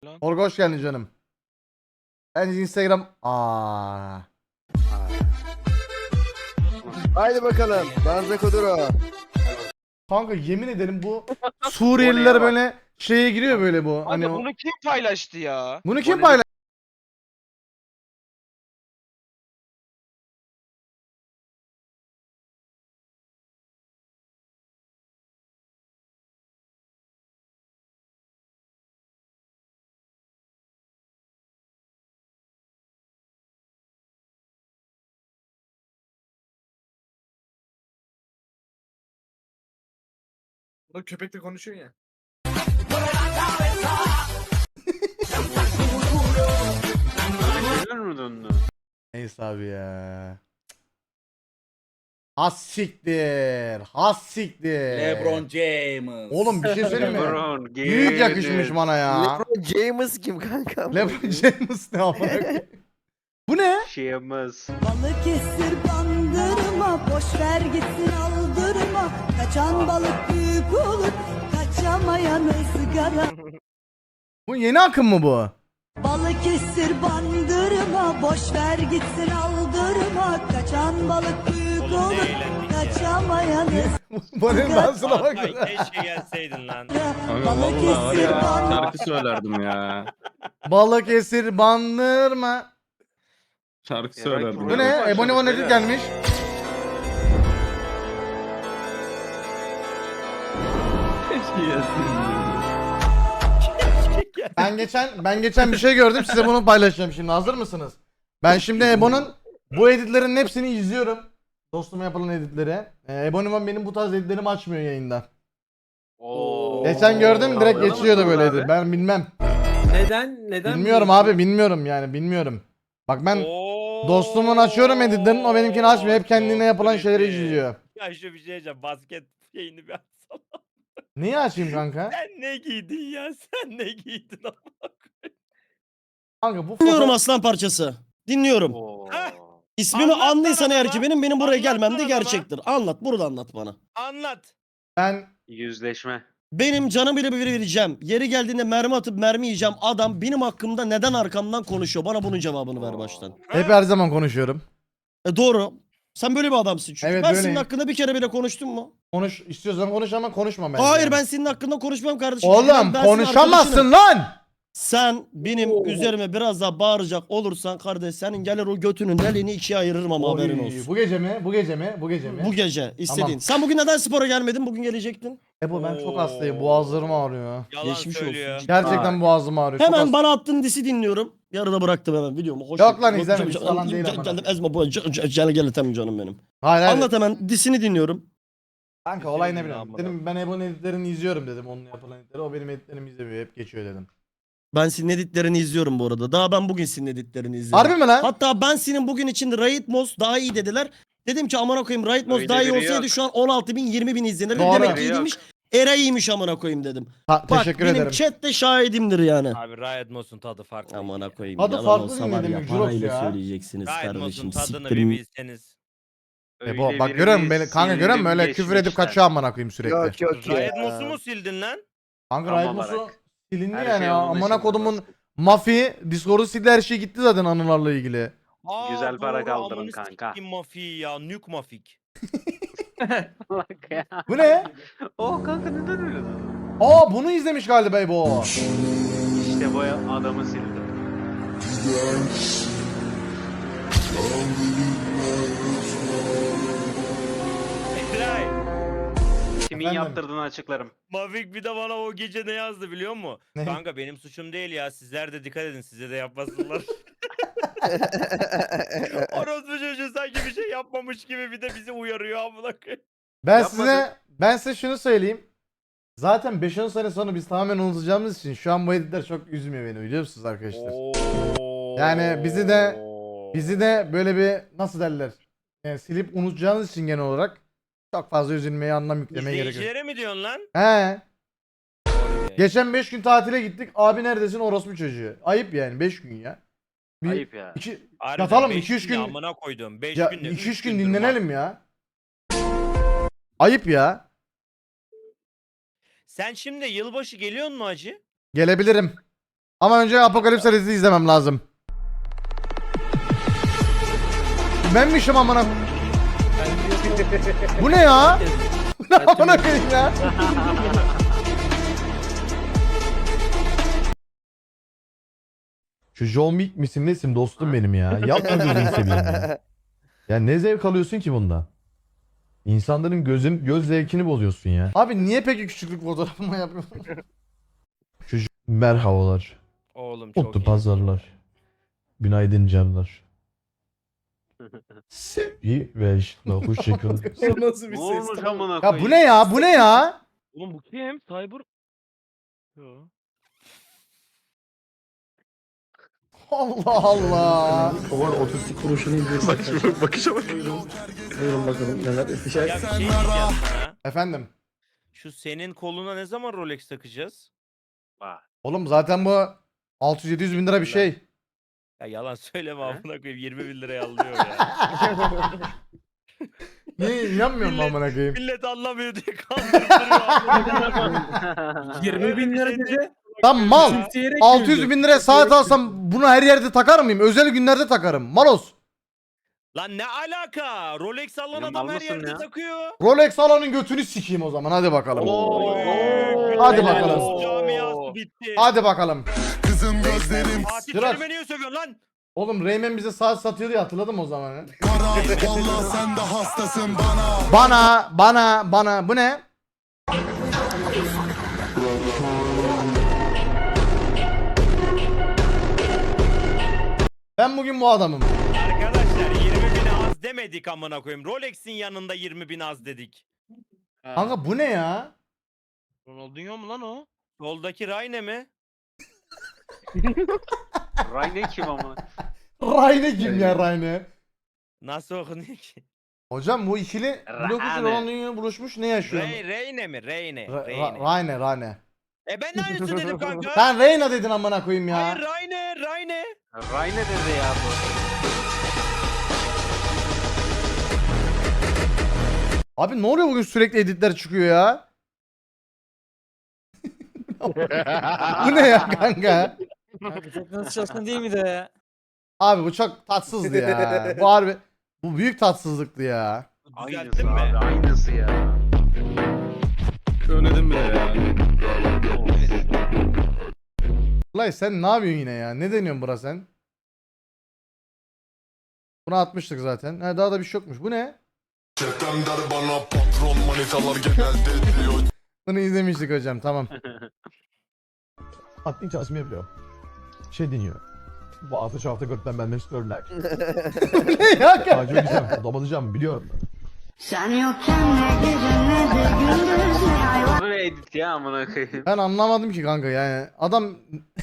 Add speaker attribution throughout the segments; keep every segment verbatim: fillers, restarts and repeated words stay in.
Speaker 1: Lan.
Speaker 2: Orga hoş geldin canım. Ben Instagram... Aa.
Speaker 3: Haydi bakalım. Danza Kuduro.
Speaker 2: Kanka yemin ederim bu
Speaker 1: Oraya
Speaker 2: Suriyeliler
Speaker 1: bak.
Speaker 2: böyle şeye giriyor böyle bu.
Speaker 1: Hani
Speaker 2: Hani o-
Speaker 1: bunu kim paylaştı ya?
Speaker 2: bunu kim
Speaker 1: Bonnie'nin-
Speaker 2: paylaştı?
Speaker 4: Burada köpekle konuşuyor ya.
Speaker 1: Gelir mi döndü?
Speaker 2: Neyse abi ya. Has siktir. Has siktir.
Speaker 5: LeBron James.
Speaker 2: Oğlum bir şey söyleyeyim mi?
Speaker 1: LeBron,
Speaker 2: Büyük
Speaker 1: gelir.
Speaker 2: yakışmış bana ya.
Speaker 3: LeBron James kim kanka?
Speaker 2: LeBron James ne amına koyayım? Bu ne?
Speaker 1: Şeyimiz.
Speaker 6: Balıkesir bandırma, boş ver gitsin aldırma. Kaçan balık büyük olur, kaçamayan ızgara.
Speaker 2: Bu yeni akım mı bu?
Speaker 6: Balıkesir bandırma, boş ver gitsin aldırma. Kaçan balık büyük
Speaker 7: Oğlum ne
Speaker 6: olur,
Speaker 7: eğlendik ya.
Speaker 6: kaçamayan
Speaker 2: Bunun dansına bak.
Speaker 7: Ay keşke gelseydin lan.
Speaker 6: ızgara. Balıkesir bandırma.
Speaker 8: Şarkı söylerdim ya.
Speaker 2: Balıkesir bandırma.
Speaker 8: Şarkı
Speaker 1: Eray
Speaker 8: söylerdim.
Speaker 2: Bu
Speaker 1: Program
Speaker 2: ne?
Speaker 1: başladı
Speaker 2: Ebony Van
Speaker 1: beyler.
Speaker 2: Edit gelmiş.
Speaker 8: Keşke gelsin.
Speaker 2: Ben geçen ben geçen bir şey gördüm, size bunu paylaşacağım şimdi. Hazır mısınız? Ben şimdi Ebo'nun bu editlerin hepsini izliyorum. Dostuma yapılan editleri. Ee, Ebony benim bu tarz editlerimi açmıyor yayında.
Speaker 1: Oo.
Speaker 2: Geçen gördüm, direkt
Speaker 1: Kavgalı
Speaker 2: geçiyordu
Speaker 1: mısınız
Speaker 2: böyle
Speaker 1: abi?
Speaker 2: edit. Ben bilmem.
Speaker 4: Neden? Neden?
Speaker 2: Bilmiyorum abi, bilmiyorum yani, bilmiyorum. Bak ben
Speaker 7: Oo.
Speaker 2: dostumun açıyorum editlerini, o benimkini açmıyor. Hep kendine
Speaker 7: Çok
Speaker 2: yapılan şeyleri
Speaker 7: creepy.
Speaker 2: izliyor.
Speaker 7: Ya şu bir şey diyeceğim. Basket yayını bir açsana.
Speaker 2: Niye açayım kanka?
Speaker 7: Sen ne giydin ya? Sen ne giydin ama?
Speaker 2: Kanka bu
Speaker 9: Dinliyorum
Speaker 2: foto...
Speaker 9: aslan parçası. Dinliyorum.
Speaker 1: Oo.
Speaker 7: Heh.
Speaker 9: İsmimi
Speaker 7: Anlat
Speaker 9: anlıysan
Speaker 7: lan
Speaker 9: eğer
Speaker 7: adama.
Speaker 9: ki benim benim buraya
Speaker 7: Anlat
Speaker 9: gelmem
Speaker 7: lan
Speaker 9: de
Speaker 7: adama.
Speaker 9: gerçektir. Anlat, burada anlat bana.
Speaker 7: Anlat.
Speaker 2: Ben
Speaker 1: Yüzleşme.
Speaker 9: Benim canım bile bir vereceğim. Yeri geldiğinde mermi atıp mermi yiyeceğim. Adam benim hakkımda neden arkamdan konuşuyor? Bana bunun cevabını ver baştan.
Speaker 2: hep her zaman konuşuyorum.
Speaker 9: E doğru. Sen böyle bir adamsın çünkü.
Speaker 2: Evet,
Speaker 9: ben
Speaker 2: böyleyim.
Speaker 9: senin hakkında bir kere bile konuştum mu?
Speaker 2: Konuş istiyorsan konuş ama konuşma bence.
Speaker 9: Hayır
Speaker 2: yani.
Speaker 9: ben senin hakkında konuşmam kardeşim. Çünkü
Speaker 2: Oğlum
Speaker 9: ben- ben senin
Speaker 2: konuşamazsın
Speaker 9: arkadaşınım.
Speaker 2: lan.
Speaker 9: Sen benim üzerime biraz daha bağıracak olursan kardeş, senin gelir o götünün deliğini ikiye ayırırım ama haberin
Speaker 2: Oy,
Speaker 9: olsun.
Speaker 2: Bu gece mi? Bu gece mi? Bu gece mi?
Speaker 9: Bu gece istediğin.
Speaker 2: Tamam.
Speaker 9: Sen bugün neden spora gelmedin? Bugün gelecektin.
Speaker 2: Ebo ben çok hastayım. Boğazlarım ağrıyor.
Speaker 7: Yalan
Speaker 9: Geçmiş
Speaker 7: söylüyor.
Speaker 9: olsun.
Speaker 2: Gerçekten boğazım ağrıyor. Çok
Speaker 9: Hemen
Speaker 2: hasta-
Speaker 9: bana attığın disi dinliyorum. Yarıda bıraktım hemen videomu. Hoş
Speaker 2: Yok lan,
Speaker 9: geldin.
Speaker 2: izleme,
Speaker 9: Gel-
Speaker 2: biz falan değil
Speaker 9: gel-
Speaker 2: ama.
Speaker 9: Geldim ezme bu gel gel etem canım benim.
Speaker 2: Hayır hayır.
Speaker 9: Anlat hemen disini dinliyorum.
Speaker 2: Kanka olay ne
Speaker 7: Kesinlikle
Speaker 2: biliyorum.
Speaker 7: amına.
Speaker 2: Dedim ben Ebo'nun editlerini izliyorum dedim. Onun yapılan editleri. O benim editlerimi izlemiyor. Hep geçiyor dedim.
Speaker 9: Ben senin editlerini izliyorum bu arada. Daha ben bugün senin editlerini izledim.
Speaker 2: Harbi mi lan?
Speaker 9: Hatta ben senin bugün için Raid Moss daha iyi dediler. Dedim ki amına koyayım Raid Moss
Speaker 1: Öyle
Speaker 9: daha iyi
Speaker 1: biri
Speaker 9: olsaydı
Speaker 1: yok.
Speaker 9: şu an on altı bin yirmi bin izlenirdi.
Speaker 2: Doğru.
Speaker 9: Demek ki
Speaker 1: Yok.
Speaker 9: iyiymiş. Era iyiymiş amına koyayım dedim.
Speaker 2: Ha,
Speaker 9: Bak
Speaker 2: teşekkür
Speaker 9: benim
Speaker 2: ederim.
Speaker 9: chat de şahidimdir yani.
Speaker 7: Abi Riot Moss'un tadı farklı.
Speaker 9: Amına koyayım.
Speaker 2: Tadı
Speaker 9: yalan
Speaker 2: farklı
Speaker 9: olsa
Speaker 2: değil mi
Speaker 9: var ya,
Speaker 2: demek, Jurox
Speaker 9: parayla
Speaker 2: ya?
Speaker 9: söyleyeceksiniz
Speaker 7: Riot
Speaker 9: kardeşim.
Speaker 7: Moss'un tadını bir
Speaker 9: Siktirin.
Speaker 7: bilseniz.
Speaker 2: Ebo
Speaker 1: Öyle
Speaker 2: bak
Speaker 1: birini
Speaker 2: görüyor musun beni? Kanka görüyor musun? Öyle
Speaker 1: sildim
Speaker 2: küfür edip
Speaker 1: geçmişten.
Speaker 2: kaçıyor amına koyayım sürekli.
Speaker 3: Yok yok ya.
Speaker 7: Riot Moss'u mu sildin lan?
Speaker 2: Kanka
Speaker 1: Tam
Speaker 2: Riot Moss'u
Speaker 1: olarak.
Speaker 2: silindi
Speaker 1: Her
Speaker 2: yani
Speaker 1: şey
Speaker 2: ya.
Speaker 1: onun
Speaker 2: Amına
Speaker 1: içinde
Speaker 2: kodumun
Speaker 1: zaten.
Speaker 2: Mafi Discord'u sildi, her şey gitti zaten anılarla ilgili.
Speaker 7: Aa,
Speaker 1: Güzel para
Speaker 7: doğru,
Speaker 1: kaldırın
Speaker 7: amını
Speaker 1: kanka.
Speaker 7: sikeyim Mafik ya. Nuke Mafik.
Speaker 1: Bak ya.
Speaker 2: Bu ne?
Speaker 1: Oh kanka neden öyle dedin?
Speaker 2: Aa bunu izlemiş galiba Ebo.
Speaker 1: İşte bu adamı sildim.
Speaker 7: Eray.
Speaker 1: Kimin
Speaker 2: Efendim?
Speaker 1: yaptırdığını açıklarım.
Speaker 7: Mafik bir de bana o gece ne yazdı biliyor musun?
Speaker 2: Ne?
Speaker 7: Kanka benim suçum değil ya. Sizler de dikkat edin. Size de yapmasınlar. Orospu çocuğu sanki bir şey yapmamış gibi bir de bizi uyarıyor amına koyayım.
Speaker 2: Ben
Speaker 1: Yapmadım.
Speaker 2: size ben size şunu söyleyeyim. Zaten beş on sene sonra biz tamamen unutacağımız için şu an bu editler çok üzmüyor beni, biliyor musunuz arkadaşlar? Yani bizi de- Bizi de böyle bir nasıl derler? Yani silip unutacağınız için genel olarak çok fazla üzülmeye, anlam yüklemeye gerek yok.
Speaker 7: İzleyicilere mi diyorsun lan?
Speaker 2: He. Geçen beş gün tatile gittik. Abi neredesin, orospu çocuğu. Ayıp yani, beş gün ya. Bir,
Speaker 1: Ayıp ya.
Speaker 2: iki,
Speaker 7: Harbiden
Speaker 2: yatalım,
Speaker 7: beş
Speaker 2: iki üç
Speaker 7: gün
Speaker 2: gün-
Speaker 7: amına koydum. beş
Speaker 2: ya,
Speaker 7: günde.
Speaker 2: iki üç gün
Speaker 7: gündür
Speaker 2: dinlenelim ya. Ayıp ya.
Speaker 7: Sen şimdi yılbaşı geliyor mu acı?
Speaker 2: Gelebilirim. Ama önce Apokalipse dizisi izlemem lazım. Benmişim amına. Bu ne ya? Bu ne amına koyayım ya? Şu John Wick misin nesin dostum benim ya? Yapma gözünü seveyim ya. Ya ne zevk alıyorsun ki bunda? İnsanların gözün göz zevkini bozuyorsun ya. Abi niye peki küçüklük fotoğrafıma yapıyorsun? Şu J- merhabalar.
Speaker 7: Oğlum çok
Speaker 2: Mutlu
Speaker 7: iyi.
Speaker 2: pazarlar. Günaydın canlar. Sevgi ve işte hoşçakalın.
Speaker 4: O nasıl bir
Speaker 1: Ne
Speaker 4: ses?
Speaker 1: olmuş amına
Speaker 2: Ya
Speaker 1: koyayım?
Speaker 2: bu ne ya? Bu ne ya?
Speaker 7: Oğlum bu kim? Cyber. Yo.
Speaker 2: Allah Allah.
Speaker 8: Bakışa bak.
Speaker 7: Ya bir şey diyeceğim sana.
Speaker 2: Efendim.
Speaker 7: Şu senin koluna ne zaman Rolex takacağız?
Speaker 1: Bak.
Speaker 2: Oğlum zaten bu altı yüz yedi yüz bin lira bir şey.
Speaker 7: Ya yalan söyleme amına koyayım yirmi bin liraya alıyor ya.
Speaker 2: Niye inanmıyorum
Speaker 7: Millet-
Speaker 2: amına koyayım.
Speaker 7: Millet anlamıyor diye kandırıyor.
Speaker 4: yirmi bin lira dedi.
Speaker 2: Lan mal.
Speaker 4: Simsiyerek
Speaker 2: altı yüz
Speaker 4: güldü.
Speaker 2: bin liraya saat alsam bunu her yerde takar mıyım? Özel günlerde takarım. Malos.
Speaker 7: Lan ne alaka? Rolex alan
Speaker 1: Ya
Speaker 7: adam
Speaker 1: mal
Speaker 7: her
Speaker 1: mısın
Speaker 7: yerde
Speaker 1: ya?
Speaker 7: takıyor.
Speaker 2: Rolex alanın götünü sikeyim o zaman. Hadi bakalım.
Speaker 1: Oo.
Speaker 2: Hadi
Speaker 7: Helal
Speaker 2: bakalım.
Speaker 7: olsun, Camiası bitti.
Speaker 2: Hadi bakalım.
Speaker 5: Kızım gözlerim
Speaker 7: Fatih
Speaker 2: Biraz-
Speaker 7: Terim'e niye sövüyorsun lan?
Speaker 2: Oğlum Rayman bize saat satıyordu ya, hatırladım o zaman. ya.
Speaker 5: kara. Vallahi sen de hastasın bana.
Speaker 2: Bana, bana, bana. Bu ne? Ben bugün bu adamım.
Speaker 7: Arkadaşlar yirmi bin az demedik amına koyayım. Rolex'in yanında yirmi bin az dedik.
Speaker 2: Kanka bu ne ya?
Speaker 7: Ronaldinho mu lan o? Soldaki Rayne mi?
Speaker 1: Rayne kim amına?
Speaker 2: Rayne kim ya Rayne?
Speaker 7: Nasıl okunuyor ki?
Speaker 2: Hocam bu ikili Blok üç
Speaker 1: Rayne.
Speaker 2: Ronaldinho buluşmuş, ne yaşıyor?
Speaker 7: Ray, Reyne mi? Reyne.
Speaker 2: Ra-
Speaker 7: Reyne.
Speaker 2: Ra- Rayne, Rayne.
Speaker 7: E ben de aynısını dedim kanka.
Speaker 2: Sen Reyna dedin amına koyayım ya.
Speaker 7: Hayır Rayne, Rayne.
Speaker 1: Rayne dedi ya bu.
Speaker 2: Abi ne oluyor bugün, sürekli editler çıkıyor ya? Bu ne ya kanka?
Speaker 10: Çok nasıl çalışkan değil mi de ya?
Speaker 2: Abi bu çok tatsızdı ya. Bu harbi, bu büyük tatsızlıktı ya.
Speaker 1: Aynısı
Speaker 7: Düzelttin mi?
Speaker 1: abi, aynısı ya.
Speaker 8: Önledim bile ya.
Speaker 2: Ulan sen ne yapıyorsun yine ya? Ne deniyorsun bura sen? Bunu atmıştık zaten. Ha, daha da bir şey yokmuş. Bu ne?
Speaker 5: Çetem der bana patron manitalar genelde diyor.
Speaker 2: Bunu izlemiştik hocam, tamam. Aklın çalışma yapıyor. Şey deniyor. Bu altı hafta gökten benden istiyorlar. Ne ya? Acı öleceğim, domalacağım biliyorum.
Speaker 6: Sen yokken ne gece ne de gündüz ne ay
Speaker 1: Bu ne edit ya amına koyayım?
Speaker 2: Ben anlamadım ki kanka yani. Adam...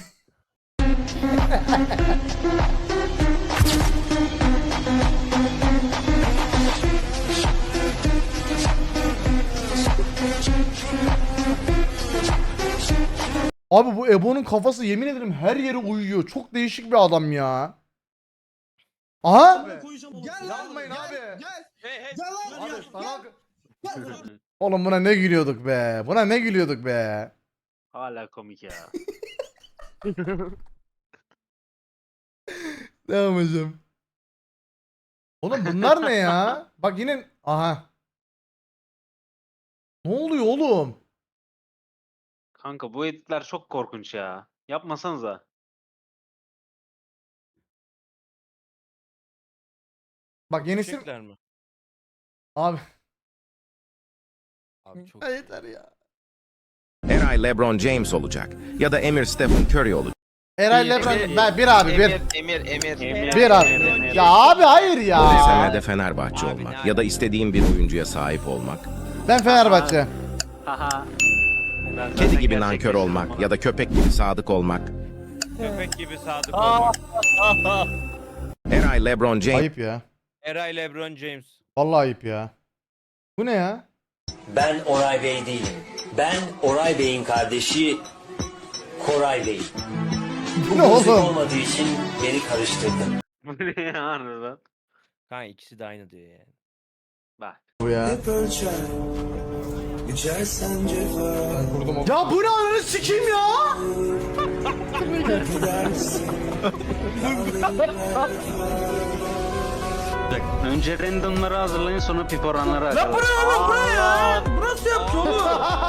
Speaker 2: Abi bu Ebo'nun kafası yemin ederim her yere uyuyor. Çok değişik bir adam ya. Aha!
Speaker 9: Gel
Speaker 2: Yapmayın abi.
Speaker 9: Gel. Gel lan.
Speaker 2: Abi sana... Oğlum buna ne gülüyorduk be. Buna ne gülüyorduk be.
Speaker 1: Hala komik ya.
Speaker 2: Devam hocam. Oğlum bunlar ne ya? Bak yine... Aha. Ne oluyor oğlum?
Speaker 1: Kanka bu editler çok korkunç ya. Yapmasanıza.
Speaker 2: Bak yenisi...
Speaker 7: Çiçekler mi?
Speaker 2: Abi.
Speaker 7: Abi çok
Speaker 2: Ya yeter ya.
Speaker 11: Eray LeBron James olacak ya da Emir Stephen Curry olacak.
Speaker 2: Eray Lebron... Ben bir abi bir.
Speaker 3: Emir, Emir.
Speaker 1: Emir-
Speaker 2: Bir abi.
Speaker 1: Emir-
Speaker 2: Ya abi hayır ya.
Speaker 11: Senle de Fenerbahçe
Speaker 7: Abi
Speaker 11: olmak
Speaker 7: ne
Speaker 11: ya da istediğin bir oyuncuya sahip olmak.
Speaker 2: Ben Fenerbahçe.
Speaker 1: Haha. Ben zaten
Speaker 11: Kedi gibi
Speaker 1: gerçek
Speaker 11: nankör
Speaker 1: yaşıyorum
Speaker 11: olmak
Speaker 1: amına.
Speaker 11: ya da köpek gibi sadık olmak.
Speaker 7: köpek gibi sadık olmak.
Speaker 11: Eray LeBron James
Speaker 2: Ayıp ya.
Speaker 7: Eray LeBron James.
Speaker 2: Vallahi ayıp ya. Bu ne ya?
Speaker 10: Ben Oray Bey değilim. Ben Oray Bey'in kardeşi Koray Bey.
Speaker 2: Bu ne
Speaker 10: Müzik
Speaker 2: oğlum?
Speaker 10: olmadığı için beni karıştırdın.
Speaker 1: Bu ne ya harbiden?
Speaker 7: Kanka ikisi de aynı diyor yani.
Speaker 1: Bak.
Speaker 2: Bu ya. Ya bu ne, ananı sikeyim ya?
Speaker 1: Önce randomları hazırlayın sonra pip oranları açalım.
Speaker 4: ya. Burası yaptı oğlum.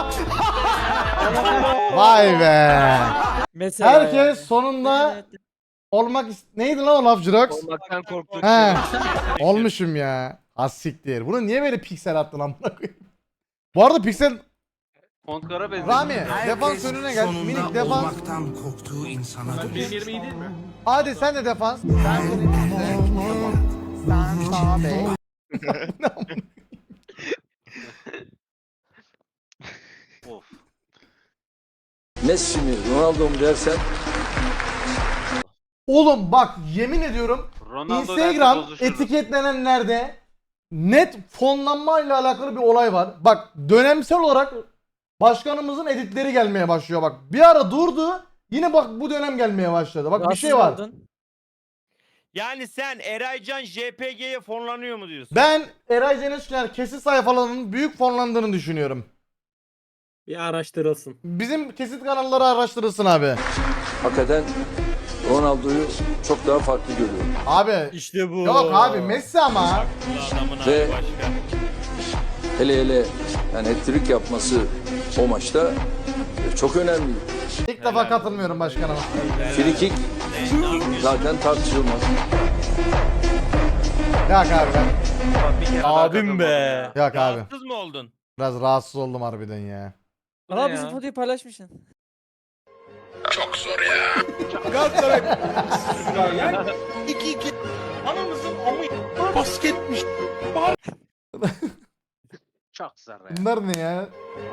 Speaker 2: Vay be.
Speaker 4: Mesela
Speaker 2: Herkes sonunda olmak is- neydi lan o laf Jirox?
Speaker 3: Olmaktan korktuğum
Speaker 2: He. Olmuşum ya. Az siktir. Bunu niye böyle piksel attın amına koyayım? Bu arada piksel
Speaker 1: Fontkara benziyor.
Speaker 2: Rami defans önüne gel. Minik defans.
Speaker 5: korktuğu insana
Speaker 4: benim yerim iyi değil mi?
Speaker 2: Hadi sen de defans.
Speaker 1: Of.
Speaker 10: Messi mi Ronaldo mu dersen
Speaker 2: Oğlum bak yemin ediyorum
Speaker 1: Ronaldo
Speaker 2: Instagram
Speaker 1: derse bozuşuruz.
Speaker 2: etiketlenenlerde net fonlanmayla alakalı bir olay var. Bak dönemsel olarak başkanımızın editleri gelmeye başlıyor bak. Bir ara durdu. Yine bak bu dönem gelmeye başladı. Bak bir şey var.
Speaker 7: Yani sen Eraycan J P G'ye fonlanıyor mu diyorsun?
Speaker 2: Ben Eray Cenişler kesit sayfalarının büyük fonlandığını düşünüyorum.
Speaker 4: Bir araştırılsın.
Speaker 2: Bizim kesit kanalları araştırılsın abi.
Speaker 10: hakikaten Ronaldo'yu çok daha farklı görüyorum.
Speaker 2: Abi
Speaker 9: İşte bu.
Speaker 2: yok abi Messi ama.
Speaker 7: Adamın
Speaker 10: Ve-
Speaker 7: adı başka.
Speaker 10: Hele hele yani hat-trick yapması o maçta e, çok önemli.
Speaker 2: İlk defa katılmıyorum başkanıma.
Speaker 10: Free kick zaten tartışılmaz.
Speaker 2: Yok abi ben.
Speaker 1: Bir kere daha
Speaker 9: Abim
Speaker 1: katılmadım
Speaker 9: be.
Speaker 1: ya.
Speaker 2: Yok abi.
Speaker 7: Rahatsız mı oldun?
Speaker 2: Biraz rahatsız oldum harbiden ya.
Speaker 4: Aa bizim fotoğrafı paylaşmışsın.
Speaker 5: Çok zor ya.
Speaker 1: Çok zor ya.
Speaker 2: Bunlar ne ya?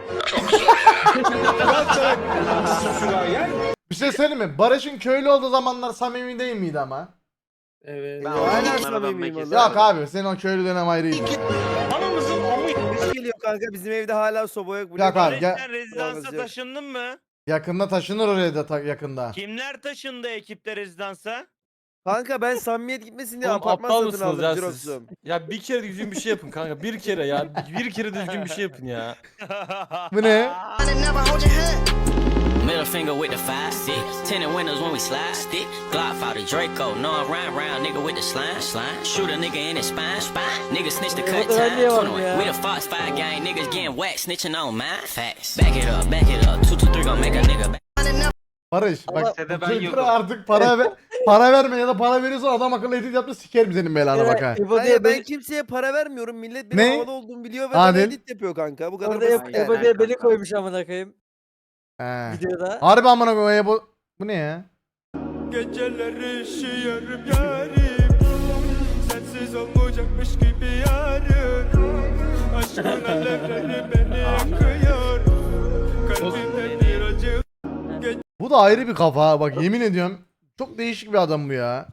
Speaker 2: Bir şey söyleyeyim mi? Barış'ın köylü olduğu zamanlar samimi değil miydi ama?
Speaker 4: Evet.
Speaker 1: Ben
Speaker 3: Hala
Speaker 1: onlardan
Speaker 3: samimiyim
Speaker 1: pek
Speaker 3: valla.
Speaker 2: Yok abi senin o köylü dönem ayrıydı.
Speaker 3: Kış geliyor kanka bizim evde hala soba yok. Bu
Speaker 2: Yok
Speaker 3: ne-
Speaker 2: abi gel.
Speaker 7: Sen rezidansa
Speaker 3: Olmaz yok.
Speaker 7: taşındın mı?
Speaker 2: Yakında taşınır oraya da ta- yakında.
Speaker 7: Kimler taşındı ekipte rezidansa?
Speaker 3: Kanka ben samimiyet gitmesin diye
Speaker 12: Oğlum,
Speaker 3: apartman
Speaker 12: aptal
Speaker 3: satın
Speaker 12: mısınız
Speaker 3: aldım
Speaker 12: ya
Speaker 3: Jirox'um.
Speaker 12: Ya bir kere düzgün bir şey yapın kanka. Bir kere ya. Bir kere düzgün bir şey yapın ya.
Speaker 2: Bu ne?
Speaker 10: Middle finger with the five six. Tenant windows when we slide stick. Glock out the Draco. No I'm round round nigga with the slime slime. Shoot a nigga in his spine spine. Nigga snitch the cut time. twenty-one. We the Fox five gang niggas getting whacked snitching on mine. Facts. Back it up, back it up. Two two three gonna make a nigga back.
Speaker 2: Barış bak
Speaker 1: Lisede ben
Speaker 2: çocuklara
Speaker 1: yokum.
Speaker 2: artık para ver, para verme ya da para veriyorsan adam akıllı edit yaptı sikerim senin belanı bak ha.
Speaker 3: Hayır ben kimseye para vermiyorum. Millet benim
Speaker 2: Ne?
Speaker 3: havada olduğumu biliyor ve
Speaker 2: Adil.
Speaker 3: bana edit yapıyor kanka. Bu kadar
Speaker 4: Orada
Speaker 3: basit
Speaker 4: yap,
Speaker 3: yani.
Speaker 1: Aynen.
Speaker 4: Ebo diye beni koymuş amına koyayım
Speaker 2: He.
Speaker 4: videoda.
Speaker 2: Harbi amına koyayım bu. Bu ne ya?
Speaker 5: Geceleri üşüyorum yarim. Sensiz olmayacakmış gibi yarın. Aşkın alevleri beni yakıyor. Kalbimde bir acı.
Speaker 2: Bu da ayrı bir kafa ha. Bak yemin ediyorum. Çok değişik bir adam bu ya.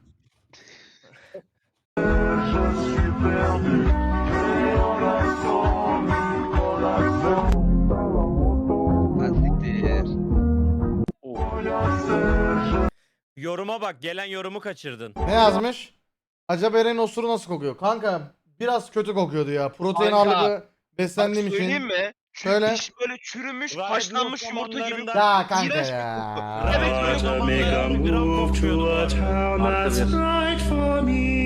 Speaker 7: Yoruma bak, gelen yorumu kaçırdın.
Speaker 2: Ne yazmış? Acaba Eren'in osuru nasıl kokuyor? Kanka biraz kötü kokuyordu ya. Protein
Speaker 3: Kanka,
Speaker 2: ağırlıklı beslendiğim için.
Speaker 3: mi?
Speaker 2: Şöyle.
Speaker 3: böyle çürümüş,
Speaker 7: haşlanmış yumurta gibi.
Speaker 2: Ya kanka ya.
Speaker 7: Evet, böyle zamanlarda gram kokmuyordu.
Speaker 1: Artı bir.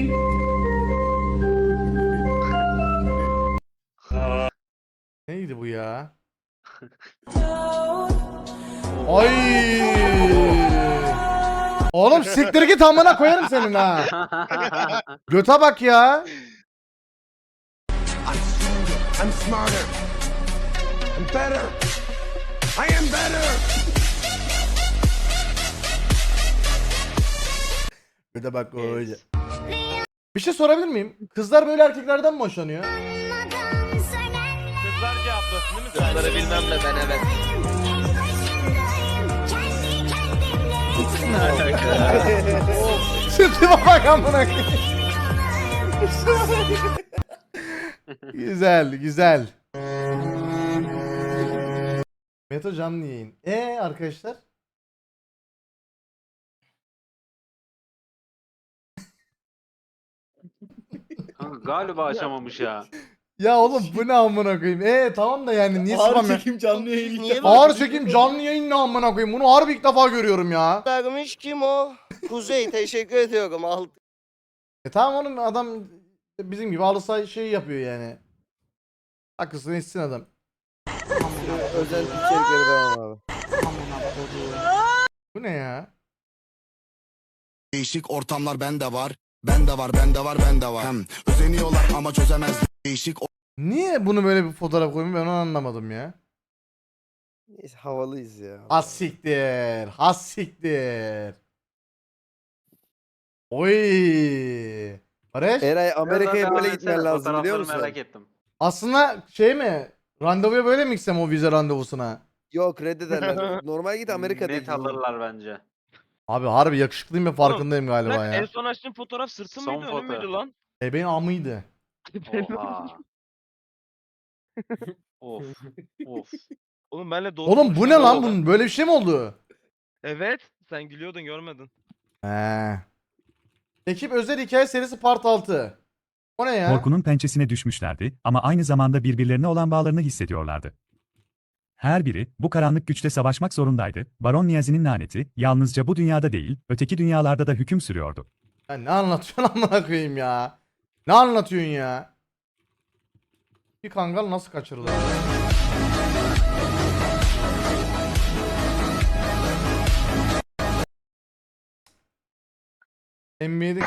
Speaker 2: Neydi bu ya? Ay. Oğlum siktir git amına koyarım senin ha. Göte bak ya.
Speaker 5: I'm smarter. I'm better. I am better.
Speaker 2: Göte bak öyle. Bir şey sorabilir miyim? Kızlar böyle erkeklerden mi hoşlanıyor?
Speaker 7: Kızlar cevaplasın değil mi? Kızları
Speaker 3: bilmem ne ben evet.
Speaker 2: Şu tipe bak amına koyayım. Güzel, güzel. Meto canlı yayın. Ee arkadaşlar?
Speaker 1: Kanka galiba açamamış ya.
Speaker 2: Ya oğlum bu ne amına koyayım? E tamam da yani niye
Speaker 3: Ağır
Speaker 2: spam ya?
Speaker 3: çekim canlı yayın.
Speaker 9: Niye
Speaker 2: Ağır çekim canlı yayın ne amına koyayım? Bunu harbi ilk defa görüyorum ya.
Speaker 9: vermiş kim o? Kuzey teşekkür ediyorum. Al.
Speaker 2: E tamam oğlum adam bizim gibi halı şey yapıyor yani. Haklısın etsin adam.
Speaker 3: Özel içerikleri devam abi.
Speaker 2: Bu ne ya?
Speaker 5: Değişik ortamlar bende var. Bende var, bende var, bende var. Hem özeniyorlar ama çözemez. Değişik
Speaker 2: Niye bunu böyle bir fotoğraf koymuş ben onu anlamadım ya.
Speaker 3: Neyse havalıyız ya.
Speaker 2: Has siktir. Has siktir. Oy. Barış.
Speaker 3: Eray Amerika'ya
Speaker 1: Biraz daha
Speaker 3: böyle
Speaker 1: devam
Speaker 3: gitmen
Speaker 1: etsene,
Speaker 3: lazım biliyor
Speaker 1: fotoğrafları
Speaker 3: musun?
Speaker 1: merak ettim.
Speaker 2: Aslında şey mi? Randevuya böyle mi gitsem o vize randevusuna?
Speaker 3: Yok reddederler. Normal git Amerika'da.
Speaker 1: Net alırlar bence.
Speaker 2: Abi harbi yakışıklıyım ve farkındayım galiba ya.
Speaker 12: son açtığın fotoğraf sırtı
Speaker 1: Son
Speaker 12: mıydı önü
Speaker 1: foto.
Speaker 12: müydü lan?
Speaker 2: E benim amıydı.
Speaker 1: Oha. Of. Of.
Speaker 12: Oğlum benle doğru
Speaker 2: Oğlum bu ne
Speaker 12: konuştun
Speaker 2: lan
Speaker 12: oğlum.
Speaker 2: bunun? Böyle bir şey mi oldu?
Speaker 12: Evet. Sen gülüyordun görmedin.
Speaker 2: He. Ekip özel hikaye serisi part altı. O ne ya?
Speaker 13: Korkunun pençesine düşmüşlerdi ama aynı zamanda birbirlerine olan bağlarını hissediyorlardı. Her biri bu karanlık güçle savaşmak zorundaydı. Baron Niyazi'nin laneti yalnızca bu dünyada değil, öteki dünyalarda da hüküm sürüyordu.
Speaker 2: Ya ne anlatıyorsun amına koyayım ya? Ne anlatıyorsun ya? Bir kangal nasıl kaçırılır? N B A'de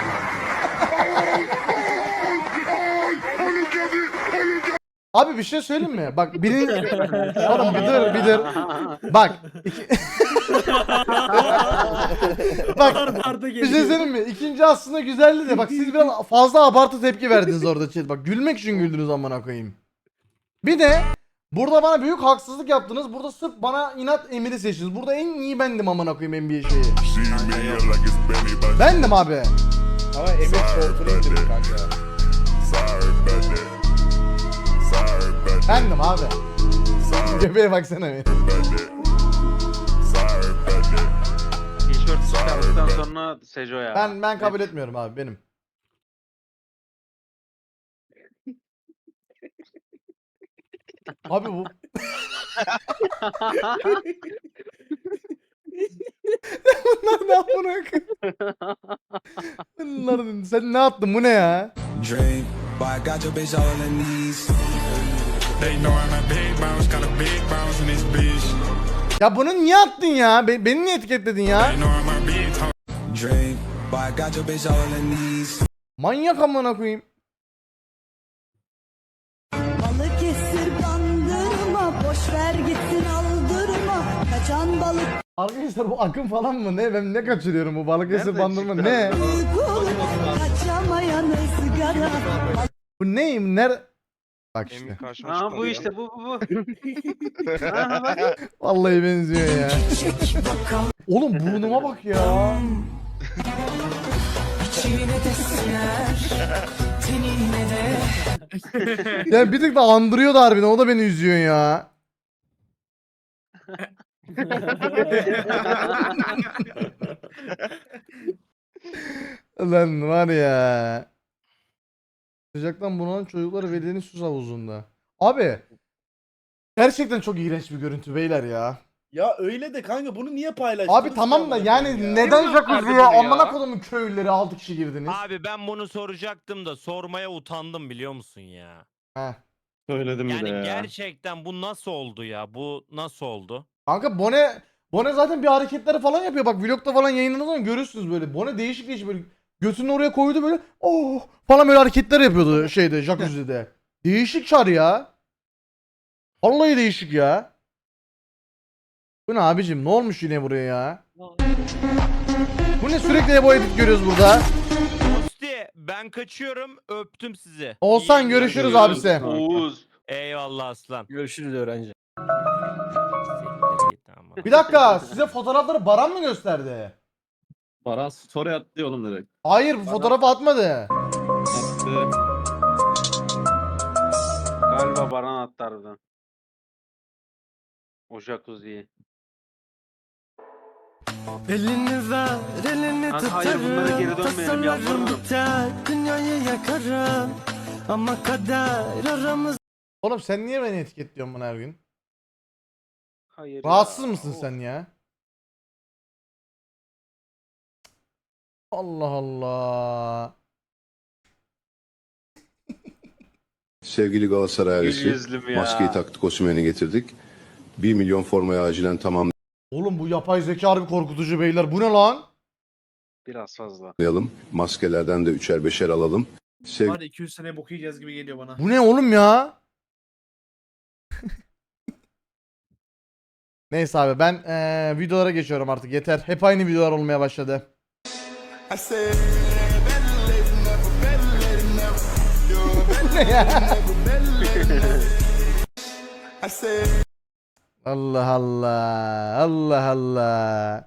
Speaker 2: Abi bir şey söyleyeyim mi? Bak birin... Oğlum bir dur bir dur. Bak. Iki... Bak bir şey söyleyeyim mi? İkinci aslında güzeldi de bak siz biraz fazla abartı tepki verdiniz orada chat. Bak gülmek için güldünüz amına koyayım. Bir de burada bana büyük haksızlık yaptınız. Burada sırf bana inat Emir'i seçtiniz. Burada en iyi bendim amına koyayım N B A şeyi. Bendim abi.
Speaker 3: Ama Emir koltuğuna indirdi kanka.
Speaker 2: Bendim abi. Göbeğe baksana bir.
Speaker 1: Tişört çıkardıktan sonra Sejo ya.
Speaker 2: Ben ben kabul etmiyorum abi benim. Abi bu Bunlar ne yapıyor? Bunlar sen ne yaptın bu ne ya?
Speaker 5: Dream, but I got your bitch all on her knees. They know I'm a big bounce, got a big bounce in this bitch.
Speaker 2: Ya bunu niye attın ya? Be- beni niye etiketledin ya?
Speaker 5: They know I'm a big Dream, but I got your bitch all on her knees.
Speaker 2: Manyak amına koyayım.
Speaker 6: Balıkesir bandırma, boş ver gitsin aldırma. Kaçan balık
Speaker 2: Arkadaşlar bu akım falan mı? Ne? Ben ne kaçırıyorum bu Balıkesir
Speaker 1: Nereden
Speaker 2: bandırma
Speaker 1: çıktı
Speaker 2: ne?
Speaker 1: abi?
Speaker 6: uygun, kaçamayan ızgara.
Speaker 2: Bu neyim? Ner? Bak işte.
Speaker 1: Aa bu işte bu bu bu. Aha, bak.
Speaker 2: Vallahi benziyor ya. Oğlum burnuma bak ya. Ya bir tık da andırıyor da harbiden o da beni üzüyor ya. Lan var ya. Sıcaktan bunalan çocuklar velinin sus havuzunda. Abi. Gerçekten çok iğrenç bir görüntü beyler ya.
Speaker 3: Ya öyle de kanka bunu niye paylaştın?
Speaker 2: Abi tamam da yani neden jacuzzi ya? Amına kodumun köylüleri altı kişi girdiniz.
Speaker 7: Abi ben bunu soracaktım da sormaya utandım biliyor musun ya?
Speaker 2: Heh.
Speaker 8: Söyledim bir
Speaker 7: Yani
Speaker 8: de ya.
Speaker 7: gerçekten bu nasıl oldu ya? Bu nasıl oldu?
Speaker 2: Kanka Bone Bone zaten bir hareketleri falan yapıyor. Bak vlogda falan yayınladığı zaman görürsünüz böyle. Bone değişik değişik böyle götünü oraya koydu böyle. Oh falan böyle hareketler yapıyordu şeyde jacuzzi'de. Değişik çar ya. Vallahi değişik ya. Bu ne abicim? Ne olmuş yine buraya ya? Bu ne sürekli bu edit görüyoruz burada.
Speaker 7: Musti ben kaçıyorum öptüm sizi.
Speaker 2: Oğuzhan
Speaker 7: İyi
Speaker 2: görüşürüz
Speaker 7: yayınlar.
Speaker 2: abisi.
Speaker 1: Oğuz.
Speaker 7: Eyvallah aslan.
Speaker 12: Görüşürüz öğrenci.
Speaker 2: Bir dakika size fotoğrafları Baran mı gösterdi?
Speaker 8: Baran story attı oğlum direkt.
Speaker 2: Hayır bu fotoğrafı atmadı.
Speaker 8: Attı.
Speaker 1: Galiba Baran attı harbiden. O jacuzziyi.
Speaker 9: Elini ver, elini
Speaker 1: Kanka hayır bunlara geri dönmeyelim yalvarırım.
Speaker 9: biter, dünyayı yakarım.
Speaker 3: Ama kader aramız.
Speaker 2: Oğlum sen niye beni etiketliyorsun bana her gün?
Speaker 1: Hayır
Speaker 2: Rahatsız
Speaker 1: ya.
Speaker 2: mısın
Speaker 1: Of.
Speaker 2: sen ya? Allah Allah.
Speaker 14: Sevgili Galatasaray
Speaker 1: Gül
Speaker 14: ailesi,
Speaker 1: yüzlüm ya.
Speaker 14: maskeyi taktık, Osimhen'i getirdik. bir milyon formayı acilen
Speaker 2: Oğlum bu yapay zeka harbi korkutucu beyler. Bu ne lan?
Speaker 1: Biraz fazla.
Speaker 14: tamamlayalım. Maskelerden de üçer beşer alalım. Sevgili
Speaker 12: Var iki yüz sene bok yiyeceğiz gibi geliyor bana.
Speaker 2: Bu ne oğlum ya? Neyse abi ben eee, videolara geçiyorum artık yeter. Hep aynı videolar olmaya başladı. Bu ne ya? Allah Allah. Allah Allah.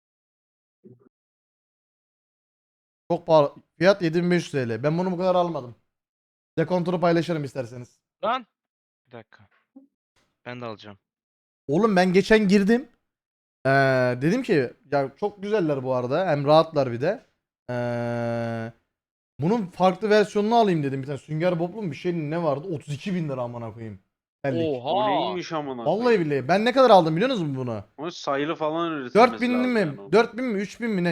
Speaker 2: Çok pahalı. Fiyat yedi bin beş yüz T L. Ben bunu bu kadar almadım. Dekontunu paylaşırım isterseniz.
Speaker 12: Lan. Bir dakika. Ben de alacağım.
Speaker 2: Oğlum ben geçen girdim. Ee, dedim ki ya çok güzeller bu arada. Hem rahatlar bir de. Ee, bunun farklı versiyonunu alayım dedim. Bir tane Sünger Bob'lu mu bir şey ne vardı? otuz iki bin lira amına koyayım. Bellik.
Speaker 1: O neymiş amına
Speaker 2: Vallahi
Speaker 1: koyayım?
Speaker 2: billahi. Ben ne kadar aldım biliyor musunuz bunu?
Speaker 1: O sayılı falan üretilmesi
Speaker 2: dört bin
Speaker 1: lazım
Speaker 2: mi?
Speaker 1: yani onun.
Speaker 2: dört bin mi? üç bin mi ne?